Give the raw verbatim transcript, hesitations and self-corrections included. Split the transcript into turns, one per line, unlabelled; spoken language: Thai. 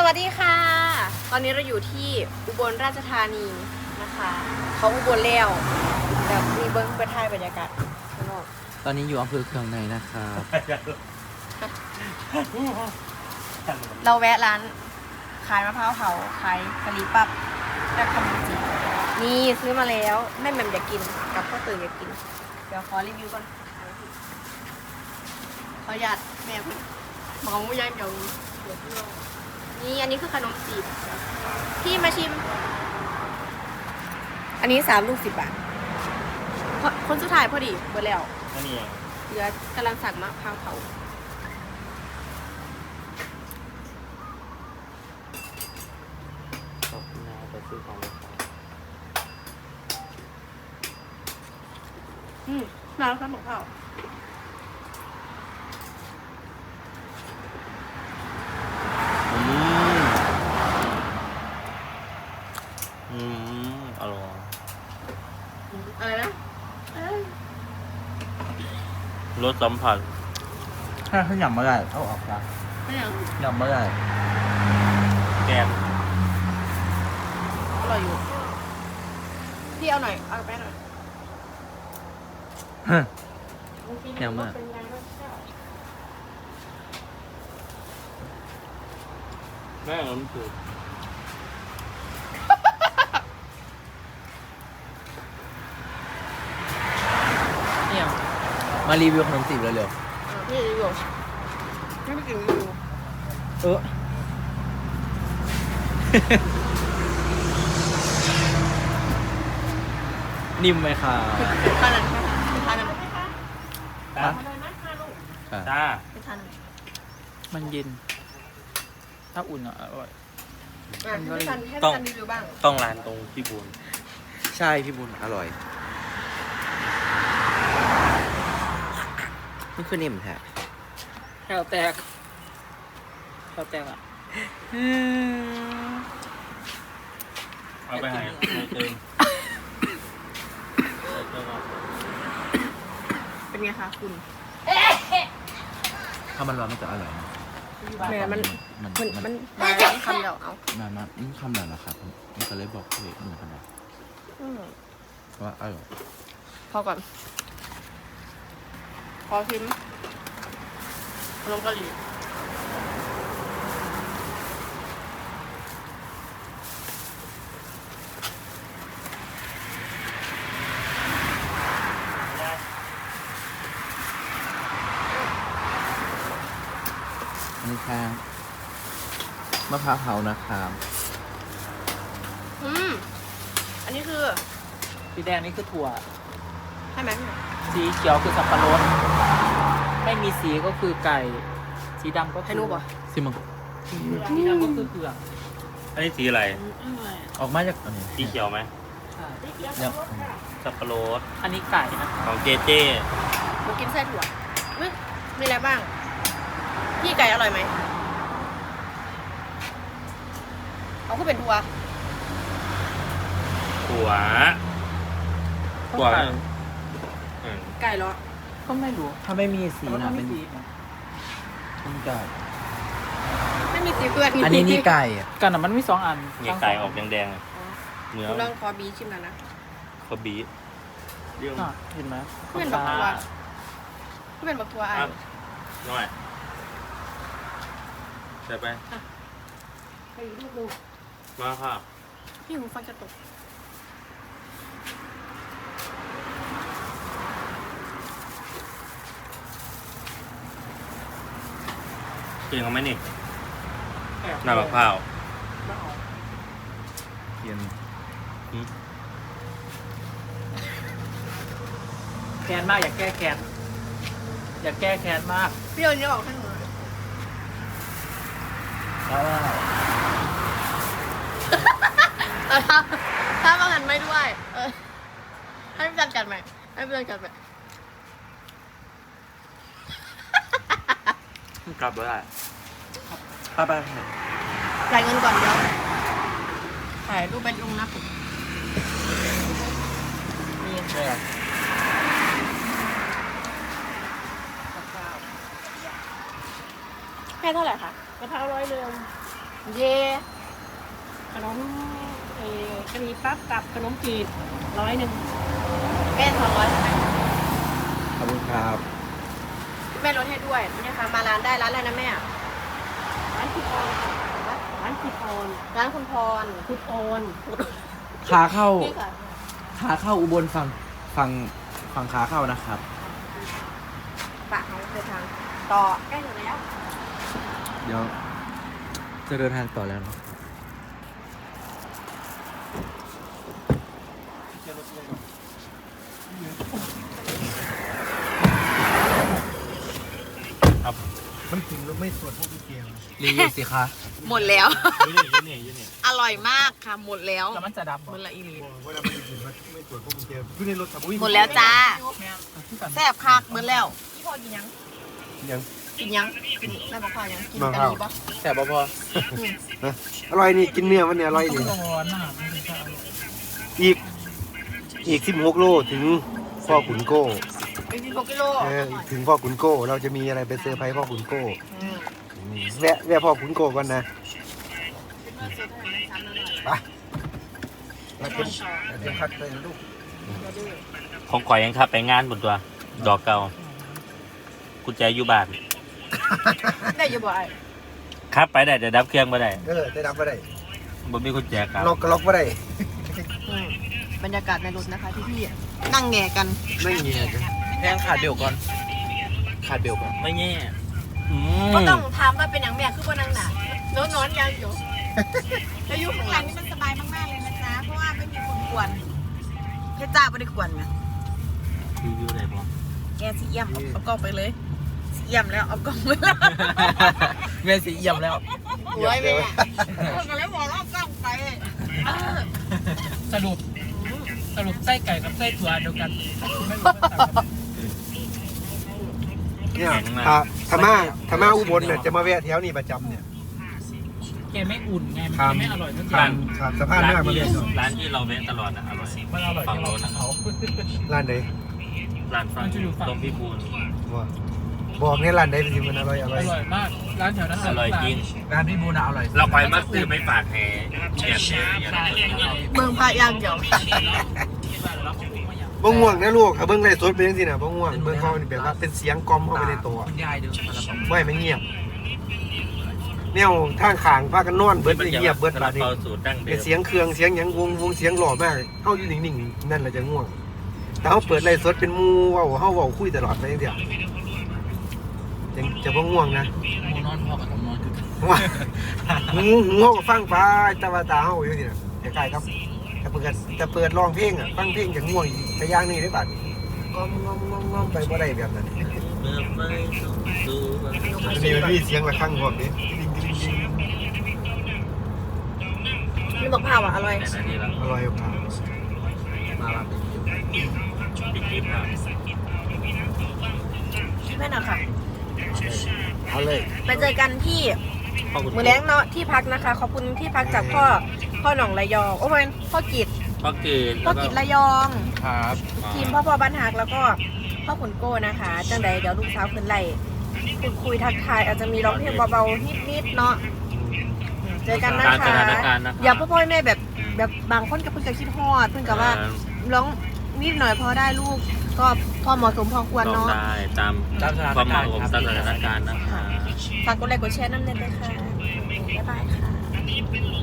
วัสดีค่ะตอนนี้เราอยู่ที่อุบลราชธานีนะคะเขาอุบลแล้วแบบมีเบิ้งไปถ่ายบรรยากาศข้างนอก
ตอนนี้อยู่อำเภอเคืองในนะครับ
เราแวะร้านขายมะพร้าวเผาขายกะหรี่ปั๊บและขนมจีบนี่ซื้อมาแล้วแม่แหม่มอยากกินกับพ่อตื่นอยากกินเดี๋ยวขอรีวิวก่อนขอหยาดแม่คุณมองไม่ย้ายเดี๋ยวเดี๋ยวพี่ลองนี่อันนี้คือขนมจีบพี่มาชิม อันนี้สามลูกสิบบาทเพราะคนสุดท้ายพอดีเบอร์แล้ว
อันนี้
เหลือกำลังสั่งมะพร้าวเผา
ขอบคุณนะไปซื้อของเลยครับ
อืมมาแล้วครับหมกเผา
อืมอืมอร่อย
อะไรนะเอ้ย
รสสัมผัส
ถ้าเขาหยำมาได้เอาออกนะ
ไม่ยัง
หยำมาได้
แกง
อร่อยอยู่พี่เอาหน่อยเอาไปหน่อย
หยำมา
เป็นไงบ้างเจ้า
แม่ล้มถือ
เนี่ยมารีวิวขนมจีบเร็ว
อ่าพี่รีวิวพี่ไม่กินรีวิว
ๆเออ นิ่มไหมคะ
เป็นทานนั้นเป็นทานนั้น
ตา
อ่ะ
ตา
เป็นทานนั้น
มันเย็น ถ้าอุ่นอ่ะอร่อย
อ่ะให้พี่ทันให้
ต้
พี่
อง
ทันรีวิวบ้าง
ต้องร้านตรงพี่บุญ
ใช่พี่บุญอร่อยนี่คือนิ่มแท้
แถวแตกแถวแตกอ่ะ
เอาไปให้เติม
เป็นไงคะคุณ
ถ้ามันร้อนมันจะอร่อยนะ
แหมมัน
มัน
มัน
มัน
มันมาคำเดียวเอา
มันมันมันคำนั้นแหละครับมันก็เลยบอกเพื่อนหนึ่งขนาด
อืม
ว่าอร่อย
พอก่อนพอชิมขนมกะหรี่
อันนี้ข้างมะพร้าวเผานะครับ
อืมอันนี้คือ
สีแดงนี่คือถั่ว
ใช่ไหมพี่
สีเขียวคือสับปะรด ไม่มีสีก็คือไก่ สีดำก็
ให้
คือ
รู้ป่ะ
ซิมัง
สีดำก็คือเผือก
อันนี้สีอะไร
ออกมาจากอันนี้
สีเขียวไหม
ใช่
เนี่ย
สับปะรด
อันนี้ไก่นะ
ของเจเจ
หนูกินไส้ถั่วอุ๊ยมีอะไรบ้าง พี่ไก่อร่อยไหมเอาก็เป็นถั่ว
ถั่วถั่วอืม
ไก่เหรอ
ก็ไม่รู้
ถ้าไม่มีสี
แต่ว่า
นะ
ไม่
เป็น
สีนะ
เป็นไก่
ไม่มีสีเกลือ
อันนี้นี่ไก่อะ
กันอ่ะมันมีสองอัน
เนี่ยไก่ออกแดงๆอะเนื้อ
หนูลองคอบีชิมแล้วนะ
เขาบีบเรื่อง
อ่ะเห็นไหม
เพื่อนบอกว่า ก็เป็นบักถั่วไอ้
อ่ะน้อยใส่ไป
ไปดูดู
มาค่ะ
พี่หูฟังจะตก
กินเขาไหมนี่หน้ามะพร้าว
เย็น
อืม
แค้นมากอยากแก้แค้นอยากแก้แค้นมาก
พี่เอาเนี้ยออกให้หนูหน่อย
เพราะว่า
เออถ้าถ้าบางอันไม่ด้วย เออ ให้พี่จันกัดใหม่ให้พี่จันกัดใหม่
กลับได้
ป้าป้า
จ่ายเงินก่อนเดี๋ยวถ่ายรูปไปลงหน้าผมนี่
ใช่ครับ
แค่เท่าไหร่คะกระเพราร้อยเดิมเย่
ขนมเอ่อกะหรี่ปั๊บกับขนมจีบร้อยหนึ่ง
แม่สองร้อยใช่ไหม
ขอบคุณครับ
แม่ลดให้ด้วยนี่ค่ะมาร้านได้ร้านอะไรนะแม่
ร้านคุณออนร้านคุณออน
ร้านคุณพร
คุณออน
ขาเข้า
นี่ค่ะ
ขาเข้าอุบลฝั่งฝั่งฝั่งขาเข้านะครับ
ปากเขาเดินทางต่อใกล้ถึงแล้ว
เดี๋ยวจะเดินทางต่อแล้วเนาะ
มันถึงแล้วไม่ตรวจพวกพี่เกียร์
รีวิวสิคะ
หมดแล้ว
ยูนี่ยูนี่ยูนี่
อร่อยมากค่ะหมดแล้ว
แล้วมันจะดับ
หมดละอีลี
เวลามันถึงมันไม่ตรวจพวกพี่เกียร์อยู่ในรถสมุย
หมดแล้วจ้า
แม่ที่กัน
แซ่บคักหมดแล้วพี่พอกินยัง
ยัง
กินยังกินแม่บอกพอยังกิน
มะ
กะ
พร้าว
หรี่ปะ
แต่บพอ
อร่อยนี่กินเนื้อมันเนี่ยอร่อย
ต้
นี่
องร้อนนะไม่ใช่
อีกอีกสิบหกโลถึงพ่อขุนโก้
เป็นสิบหกกิโล
เออถึงพ่อขุนโก้ เราจะมีอะไรไปเซอร์ไพรส์พ่อขุนโก้
อืม
อืมแวะแวะพ่อขุนโก้ก่อนนะ
เมื่อซื้อเท่าไหร่ไม่ซ้ำแล้วหน่อย
ไปเราเป็นเราเป็นพักเลยนะลูก
อย่าดื้อ
ของข่อยยังครับไปงานบนตัว ดอกเก่ากุญแจอยู่บ้าน
ได้อยังบ่ไอ้
ครับไปได้แต่ดับเครื่องไม่ได้
เออได้รับมาได้
บ่มีกุญแจครับ
ล็อกก็ล็อกมาได้
อืมบรรยากาศในรถนะคะที่พี่นั่งแง่กัน
ไม่เงี้ยกัน
แพงขาดเบลก่อน ขาดเบลก่อน
ไม่แย่อืม
ก็ต้องถามว่าเป็นอย่างแม่คือว่านั่งหนาโน้นนอนยังอยู่แล้วอยู่ข้างหลังนี่มันสบายมากๆเลยนะจ๊ะเพราะว่าไม่มีคนกวนเพชรจ้าไม่ได้กวนไง
รีวิวได้บ่
แกสีเอี่ยมเอาเอากล้องไปเลยสีเอี่ยมแล้วเอากล้องไปแล้ว
แม่สีเอี่ยมแล้ว
โอ้ยแม่คนก็เลยบอกว่าเอากล้องไปเออ
สรุปสรุปไส้ไก่กับไส้ถั่วเดียวกันไม่รู้ว่าต่างกัน
เนี่ยถ้าถ้ามาถ้ามาอุบลเนี่ยจะมาแวะแถวนี้ประจำเนี่ย
แกไม่อุ่นไง
ครั
มัน
บ
ไม่อร่อยทั้ง
ผ่า
จาน น
ผ่านสะพาน
ร้าน
หน้ามา
ที่
เรียนหน่อย
ร้านที่เราเว้นตลอดนะอร่อย
มันอร่อย
ฝั่ง
ที่เรา
โน้นนะ
เขา
ร้านไหน
ร้านฝั่งตรงพี่บูล
ว่าบอกเนี่ยร้านไหนเป็นสิมันอร่อยอ
อ
ร่อย
ร่อยมากร้านแถวนั้น
อร่อยจริง
ร้านพี่บูนะอร่อย
เราไปมาซื้อไม่ฝากแห่แบบแห่อย่างนี้
เมืองพะยางเดียว
บ่ง่วงนะลูกถ้าเบิ่งไลฟ์สดเป็นจังซี่น่ะบ่ง่วงเบิ่งเขานี่แบบว่าเป็นเสียงกล่อมเข้าไปในตัว
คุณยายเดินมาแล้วบอก
ไม่ไม่เงียบแนวทางข้างพากันนอนเบิดเลยเงียบเบิด
ซา
บา
ลา
ดนี้
เปาสูตรดั้งเดิ
เป็น
ม
เสียงเครื่องเสียงหยังวงวงเสียงหล่อมากเฮาอยู่นิ่งๆนั่นแหละจะง่วงแต่เฮาเปิดไลฟ์สดเป็นหมู่เว้าเฮาเว้าคุยตลอดไปจังซี่ยังจะบ่ง่วงนะ
หมูนอนพอกับผมนอนคือกัน
ว่าหูหูเฮาก็ฟังไปแต่ว่าตาเฮาอยู่นี่น่ะใกล้ๆครับแต่เปิดแต่เปิดร้องเพลงอ่ะฟังเพลงจะง่วงอีกแต่อย่างนี้ได้บัดงอมงอมงอมงอมไปบ่ได้แบบนั้น
เมื่อไฟส่องสว่าง
อันนี้มันมีเสียงระฆังพร้อมนี่
นี่บอกผ่าอ่ะอร่อย
แต่นาทีละ
อร่อยครับ
มาลาเป็นคิว
ปิดคลิปครับ
แม่น่ะค่ะ
เอาเลย
ไปเจอกันที่
ขอบคุณ
มือแรงเนาะที่พักนะคะขอบคุณที่พักจากพ่อพ่อหนองระยองโอ้ยพ่อกิจ
พ่อเกิด
พ่อกิจระยอง
ครับ
ทีมพ่อพ่อบ้านหักแล้วก็พ่อขุนโก้นะคะจังใดเดี๋ยวลูกสาวขึ้นไล่พูดคุยทักทายอาจจะมีร้องเพลงเบาๆนิดๆเนาะเจอกันนะ
ตามส
คะ
ถานการณ์นะครับ
อย่าพ่อพ่อแม่แบบแบบบางคนกับเพิ่งจะคิดฮอดเพิ่งกับว่าร้องนิดหน่อยพอได้ลูกก็พอเหมาะสมพอควร
ลอง
เนาะ
ได้ตาม
ตามสถาน
ความเห
กา
มาะ
รณ์
สม
ครับ
ตามสถานการณ์นะคะ
ฝากกดไลค์กดแชร์น้ำเน็ตด้วยค่ะบ๊ายบายค่ะ